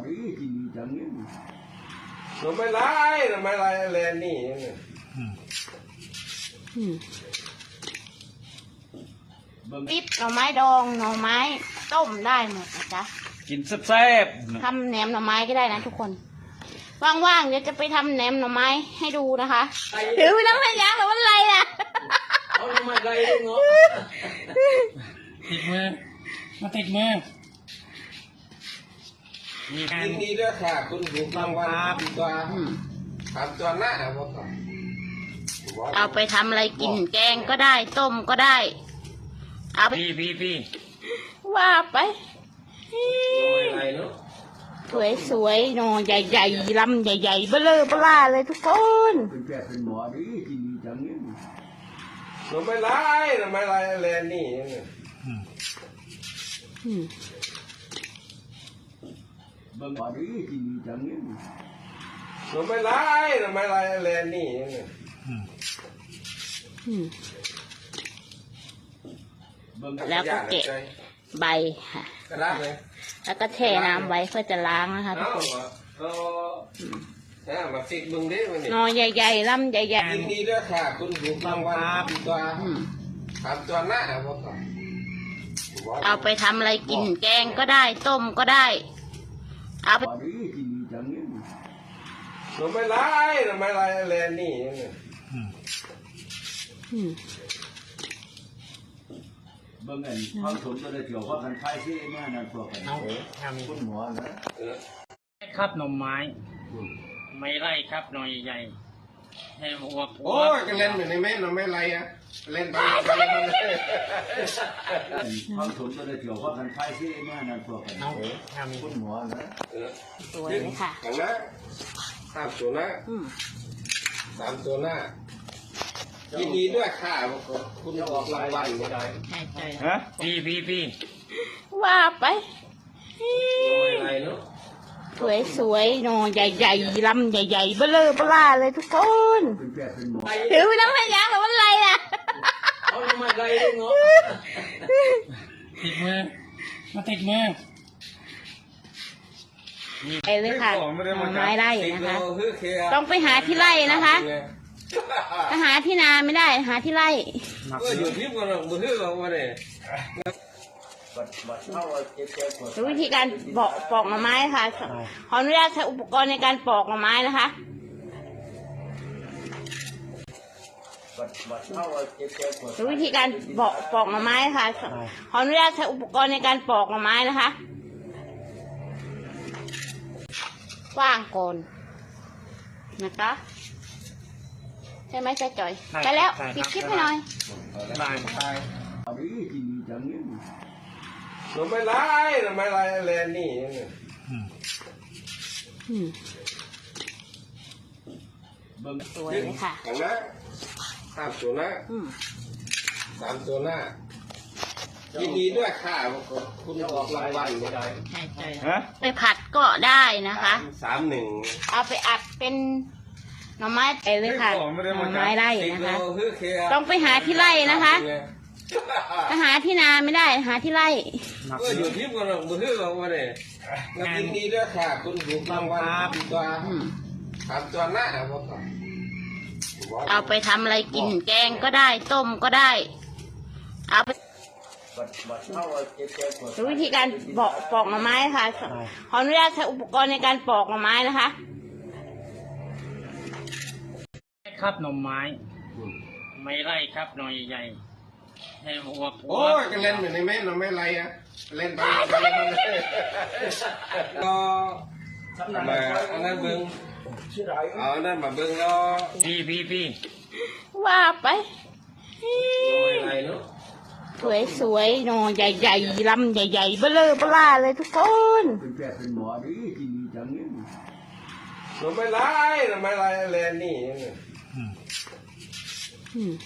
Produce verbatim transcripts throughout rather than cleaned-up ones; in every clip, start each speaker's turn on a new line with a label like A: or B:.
A: ดีกินดีจังเนี่ย
B: หน่อไม้ไล่หน่อไม้ไล่แลนนี่
C: ปิ๊บหน่อไม้ดองหน่อไม้ต้มได้หมดนะจ๊ะ
D: กินแซ่บ
C: ทำแหนมหน่อไม้ก็ได้นะทุกคนว่างๆเดี๋ยวจะไปทำแหนมหน่อไม้ให้ดูนะคะถือไปน้ำมันยางหรือว่าอะไรอ่ะ
B: เอาหน่อไม้ไล่ด้วยเนาะ
D: ๆติดมือมาติดมือมีการ
B: ยินดีด้วยค่ะคุณถูกรางวัลตัวทำตัวหน้าครับ
C: เอาไปทำอะไรกินแกงก็ได้ต้มก็ได้เอาไป
D: พี่พี่พี่
C: ว่าไป
B: หน่อไม้ไล่เนาะ
C: สวยสวยๆหน่อใหญ่ๆลำใหญ่ๆเบ้อเร่อเบ้อล่าเลยทุกคน
A: เป็นแก่เป็นหมอดีกินดีจังเนี่ย
B: หน่อไม้ไล่หน่อไม้ไล่แลนนี่
C: อืม
A: เบิ่งหมอดีกินดีจังเนี่ย
B: หน่อไม้ไล่หน่อไม้ไล่แลนนี่
C: อืม
A: เบิ่ง
C: แล้วก็เก็บใบค่ะ
B: กระดาษเลย
C: แล้วก็แช่น้ำไว้เพื่อจะล้างนะคะทุกคน
B: เอาเอามาฟิกมึงดิมันนี่
C: หน่อใหญ่ๆลำใหญ่
B: ยินดีด้วยค่ะคุณถูกรางวัลตัว
C: ๆอืม
B: ทำตัวหน้าครับ
C: เอาไปทำอะไรกินแกงก็ได้ต้มก็ได้ เอาไป
A: หมอดีกินดีจังเนี่ย
B: หน่อไม้ไล่หน่อไม้ไล่แลนนี่
C: อืม
A: เบิ่งอันข้าวสมจะได้เกี่ยวข้าวกันไข่ที่แม่นั่นพวกกัน
D: เอาท
A: คุณหมอนะ
D: ำครับหน่อไม้ไม่ไล่ครับหน่อยใหญ่ให้หัว
B: โอ้ยก็เล่นอยู่ในแม่หน่อไม้ไล่อะเล่นไปไปไปเลย
A: ข้าวสมจะได้เกี่ยวข้าวกันไข่ที่แม่นั่นพวกกัน
D: เอาทำ
A: คุณหมอนะ
C: สวยเลยค่ะ
B: ขังนะสามตัวหน้า
C: อืม
B: สามตัวหน้ายินดีด้วยค่ะคุณออกรางวัลไม่ได้
C: ใช่ใช่
D: ฮะพี่พี่พี่
C: ว่าไป
B: หน่อไม้ไล่เนาะ
C: สวยสวยๆหน่อใหญ่ๆลำใหญ่ๆเบ้อเร่อเบ้อล่าเลยทุกคน
A: เป็นแก่เป็นหมอ
C: ถือไปน้ำมันยางหรือว่าอะไรอ่ะ
B: เอาหน่อไม้ไล่ด้วยเนาะ
D: ติดมือมาติดมือ
C: ไปเลยค่ะหน่อไม้ไร่นะคะ
B: ต้
C: ต้
B: อ
C: อง งไปหาที่ไร่นะคะถ้าหาที่นาไม่ได้หาที่ไร่
B: ก็อยู่ที่มันมือเราเนี่ย
A: บัดบัดเข้าเจ็บเจ็บปวด
C: ดูวิธีการปอกปอกหน่อไม้ค่ะขออนุญาตใช้อุปกรณ์ในการปอกหน่อไม้นะคะ
A: บัดบัดเข้าเจ็บเจ็บปวด
C: ดูวิธีการปอกปอกหน่อไม้ค่ะขออนุญาตใช้อุปกรณ์ในการปอกหน่อไม้นะคะกว้างโกนนะคะใช่ไหมใช่จ่อยไปแล้วปิดคลิปให้หน่อย
D: บาย
A: หมอดีกินดีจังเนี่ย
B: หน่อไม้ไล่หน่อไม้ไล่แลนนี่
C: อืม
A: เบิ่ง
C: สวยเลยค่ะ
B: ขังนะสามตัวหน้า
C: อืม
B: สามตัวหน้ายินดีด้วยค่ะคุณออกรางวัลไม่ได้
C: ใช่ใช่
D: ฮะ
C: ไปผัดก็ได้นะคะ
B: สามหนึ่ง
C: เอาไปอัดเป็นหน่อไม้ไปเลยค่ะหน่อไม้ไร่นะคะ ต้องไปหาที่ไร่นะคะ ถ้าหาที่นาไม่ได้หาที่ไร่
B: ก็อยู่ที่มันมือเราเนี่ยยินดีด้วยค่ะคุณถูกรางวัลตัว
C: อืม
B: ทำตัวหน้า
C: เอาไปทำอะไรกินแกงก็ได้ต้มก็ได้ เอาไป
A: บัดบัดเข้าเจ็บเจ็บปวด
C: ดูวิธีการปอกปอกหน่อไม้ค่ะขออนุญาตใช้อุปกรณ์ในการปอกหน่อไม้นะคะ
D: ครับหน่อไม้ไม่ไล่ครับหน่อยใหญ่ให้หัว
B: โอ้ยก็เล่นอยู่ในแม่เราไม่ไรอะเล่นไปไปเลยก็มาอันนั้นเบิ้ง
A: ชื่อไร
B: เอาอันนั้นมาเบิ้งแล้ว
D: พี่พี่พี่
C: ว่าไป
B: ไม่ไรเนาะ
C: สวยสวยๆหน่อใหญ่ๆลำใหญ่ๆเบ้อเร่อเบ้อล่าเลยทุกคน
A: เป็นแก่เป็นหมอดีกินดีจังเนี่ย
B: หน่อไม้ไล่หน่อไม้ไล่แลนนี่
C: อืม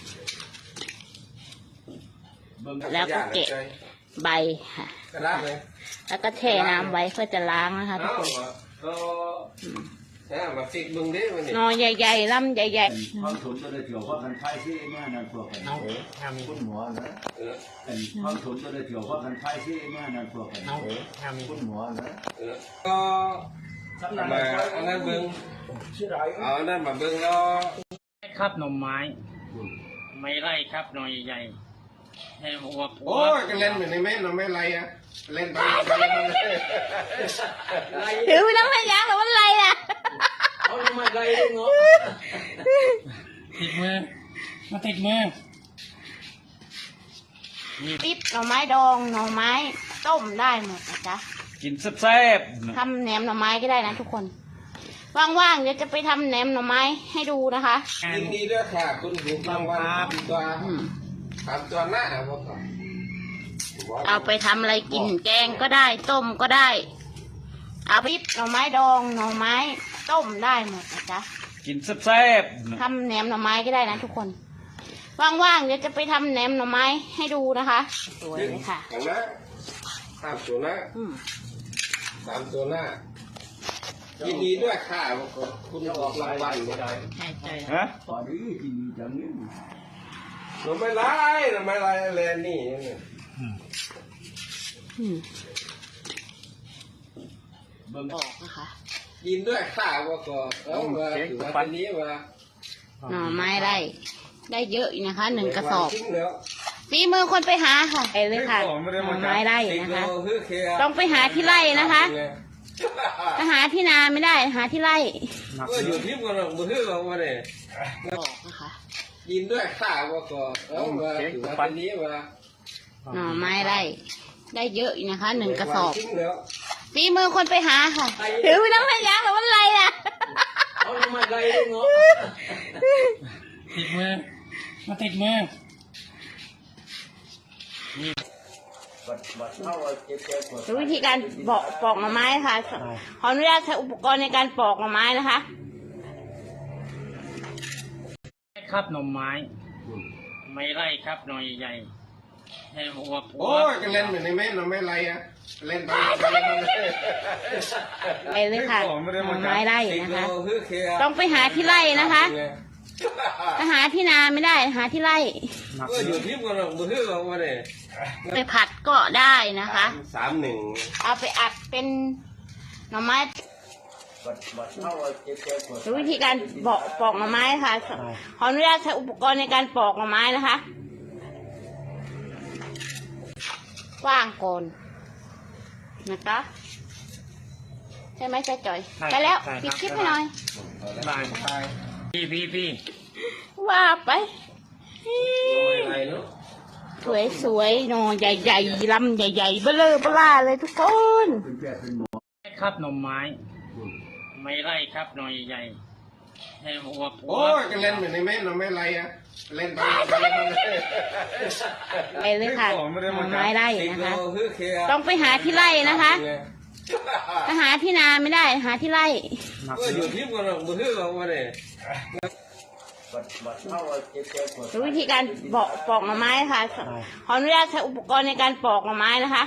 A: เบิ่ง
C: แล้วก็เก็บใบค่ะ
B: กระดาษเลย
C: แล้วก็แช่น้ำไว้เพื่อจะล้างนะคะทุก
B: เอา
C: คน
B: ก็เออมาฟิกมึงดิมันนี่
C: หน่อใหญ่ๆลำใหญ่
A: ความสนตัวได้เกี่ยวกับกันไทยที่มานั่นพวกกัน
D: เอาแฮมี
A: คุณหมอนะ
B: เออ
A: เป็นความสนตัวได้เกี่ยวกับกันไทยที่มานั่นพวกกัน
D: เอาแฮมี
A: คุณหมอนะ
B: เออก็มาอันนั้นเบิ้งเอาอันนั้นมาเบิ้งแล้ว
D: ครับหน่อไม้ไม่ไร่ครับหน่อใหญ่ให้หัว
B: โอ้ยก็เล่นเหมือนในแม่เราไม่ไรอ่ะเล่นไปไปมันเลย
C: ๆถือไปน้ำไม่ยั้งหรือว่าอะไรอ่ะ
A: เอาทำไมไรเนาะ
D: ติดมือมาติดมือ
C: ปิ๊บหน่อไม้ดองหน่อไม้ต้มได้หมดนะจ๊ะ
D: กินแซ่บ
C: ทำแหนมหน่อไม้ก็ได้นะทุกคนว่างๆเดี๋ยวจะไปทำแหนมหน่อไม้ให้ดูนะคะ
B: ยินดีด้วยค่ะคุณหูรางวัลตัว
C: อืม
B: ถามตัวหน้าพ่อ
C: เอาไปทำอะไรกินแกงก็ได้ ต้มก็ได้ เอาปิ๊บหน่อไม้ดองหน่อไม้ต้มได้หมดนะจ๊ะ
D: กินแซ่บ
C: ทำแหนมหน่อไม้ก็ได้นะทุกคนว่างๆเดี๋ยวจะไปทำแหนมหน่อไม้ให้ดูนะคะสวยเลยค่ะ
B: อย่างนั้นถามตัวหน้า
C: อืม
B: ถามตัวหน้ายินดีด้วยค่ะคุณออกรางวัล
C: ใช่ใช่
D: ฮะ
A: ตอนนี้กินจังนี้
B: เราไม่ไล่เราไม่ไล่อะไรนี่
C: อืม
A: เบิ่ง
C: ออกนะคะ
B: ยินด้วยค่ะว่าก็เออมาถือว่าวันนี้มา
C: หน่อไม้ได้ ได้เยอะอยู่นะคะหนึ่งกระสอบ
B: ทิ้งแล้ว
C: ฝีมือคนไปหาค่ะไปเลยค่ะหน่อไม้ไร่นะคะ ต้องไปหาที่ไร่นะคะถ้าหาที่นาไม่ได้หาที่ไร่
B: ก็อยู่ที่มันมือเราวันนี้
C: ออกนะคะ
B: ยินด้วยค่ะว่าก็เออมาถือว่าวันนี้มา
C: หน่อไม้ไร่ได้เยอะอยู่นะคะหนึ่งกระสอบ
B: ทิ้งแล้ว
C: ฝีมือคนไปหาค่ะถือไปน้ำไม่ยั้งหรือว่าอะไรอ่ะ
A: เอาทำไมไรเนาะ
D: ติดมือมาติดมือ
A: บัดบัดเข้าเจ็บเจ็บปวด
C: ดูวิธีการปอกปอกหน่อไม้ค่ะขออนุญาตใช้อุปกรณ์ในการปอกหน่อไม้นะคะ
D: ครับหน่อไม้ไม่ไร่ครับหน่อใหญ่ให้หัว
B: โอ้ยก็เล่นเหมือนในแม่เราไม่ไรอ่ะเล่นไปไปมันเลย
C: ไปเลยค่ะหน่อไม้ไร่นะคะ
B: ต้
C: ต้
B: อ
C: อง งไปหาที่ไร่นะคะ ถ้าหาที่นาไม่ได้หาที่ไร่
B: ก็อยู่ที่มันมือเราวันนี้
C: ไปผัดก็ได้นะคะ
B: สามหนึ่ง
C: เอาไปอัดเป็นหน่อไม้
A: บัดบัดเข้าเจ็บเจ็บปวด
C: ดูวิธีการปอกปอกหน่อไม้ค่ะขออนุญาตใช้อุปกรณ์ในการปอกหน่อไม้นะคะกว้างโกนนะคะใช่ไหมใจจ่อยไปแล้วปิดคลิปให้หน่อย
D: บายพี่พี่พี่
C: ว่าไป
B: ไม่ไรเนาะ
C: สวยสวยๆหน่อใหญ่ๆลำใหญ่ๆเบลอเบล่าเลยทุกคน
A: เป็นแพทย์เป็นหมอ
D: ครับหน่อไม้ไม่ไร่ครับหน่อใหญ่ให้หัว
B: โอ้ยก็เล่นเหมือนในแม่เราไม่ไรอ่ะเล่นไปไปมันเลย
C: ไปเลยค่ะหน่อไม้ไร่นะคะ ต้องไปหาที่ไร่นะคะ ถ้าหาที่นาไม่ได้หาที่ไร่
B: ก็อยู่ที่มันมือเราวันนี้
A: บัดบัดเข้าเจ็บเจ็บปวด
C: ดูวิธีการปอกปอกหน่อไม้ค่ะขออนุญาตใช้อุปกรณ์ในการปอกหน่อไม้นะคะ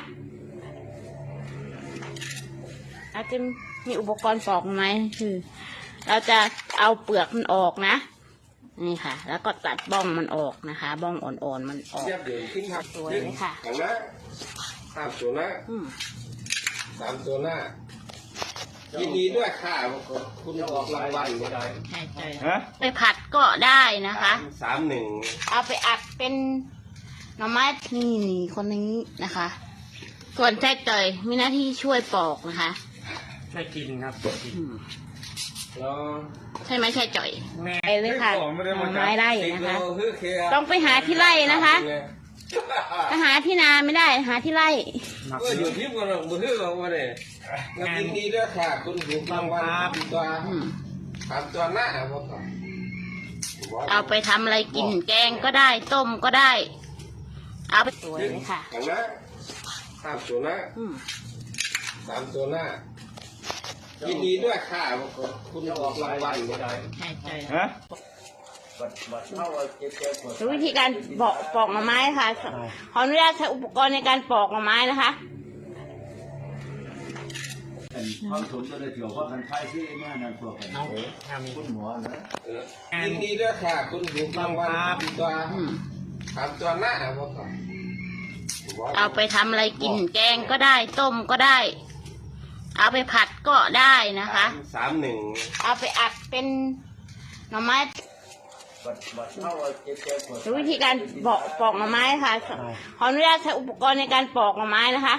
C: อาจจะมีอุปกรณ์ปอกหน่อไม้คือ เราจะเอาเปลือกมันออกนะนี่ค่ะ แล้วก็ตัดบ้องมันออกนะคะ บ้องอ่อนๆมันออก
B: เทียบเดินทิ้งครับ
C: สวยเลยค่ะ
B: อย่างนั้นสามตัวหน้า
C: อืม
B: สามตัวหน้ายินดีด้วยค่ะคุณออกรางวัล
C: ใช่ใช่
D: ฮะ
C: ไปผัดก็ได้นะคะ
B: สามหนึ่ง
C: เอาไปอัดเป็นหน่อไม้นี่นี่คนนี้นะคะ ส่วนแท้จ่อยมีหน้าที่ช่วยปอกนะคะ
D: ได้กินครับ
C: อืม
B: แล้ว
C: ใช่ไหมใช่จ่อย
D: แม่
C: ไปเลยค่ะหน่อไม้ไร่นะคะ ต้องไปหาที่ไร่นะคะ ถ้าหาที่นาไม่ได้หาที่ไร่
B: ก็อยู่ที่มันมือเราวันนี้ยินดีด้วยค่ะคุณหูรางวัลตัว
C: อืม
B: สามตัวหน้าพ่อ
C: เอาไปทำอะไรกินแกงก็ได้ ต้มก็ได้ เอาไปสวยเลยค่ะ
B: อย่างนั้นสามตัวหน้า
C: อืม
B: สามตัวหน้ายินดีด้วยค่ะคุณออกรางวัล
C: ใช่ใช่
D: ฮะ
A: บัดบัดเข้าเจ็บเจ็บปวด
C: ดูวิธีการปอกปอกหน่อไม้ค่ะขออนุญาตใช้อุปกรณ์ในการปอกหน่อไม้นะคะ
A: เป็นความสนตัวได้เกี่ยวกับกันใช้ที่เมื่อนั้นพวกกัน
D: เอาทำ
A: คุณหมอนะ
B: เออยินดีด้วยค่ะคุณหญิงรางวัลทำตัว
C: อืม
B: ทำตัวหน้าพวกเขา
C: เอาไปทำอะไรกินแกงก็ได้ต้มก็ได้ เอาไปผัดก็ได้นะคะ
B: สามหนึ่ง
C: เอาไปอัดเป็นหน่อไม้
A: บัดบัดเข้าเจ็บเจ็บปวด
C: ดูวิธีการปอกปอกหน่อไม้ค่ะขออนุญาตใช้อุปกรณ์ในการปอกหน่อไม้นะคะ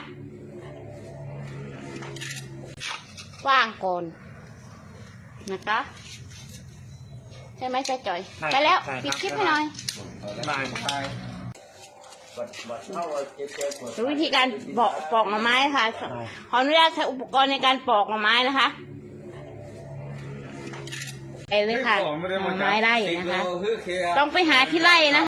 C: กว้างโกนนะคะใช่ไหมใช่จ่อยไปแล้วปิดคลิปให้หน่อย
D: ได้
A: บัดบัดเข้าเจ็บเจ็บปวด
C: ดูวิธีการปอกปอกหน่อไม้ค่ะขออนุญาตใช้อุปกรณ์ในการปอกหน่อไม้นะคะไปเลยค่ะหน่อไม้ไร่นะคะ ต้องไปหาที่ไร่นะคะ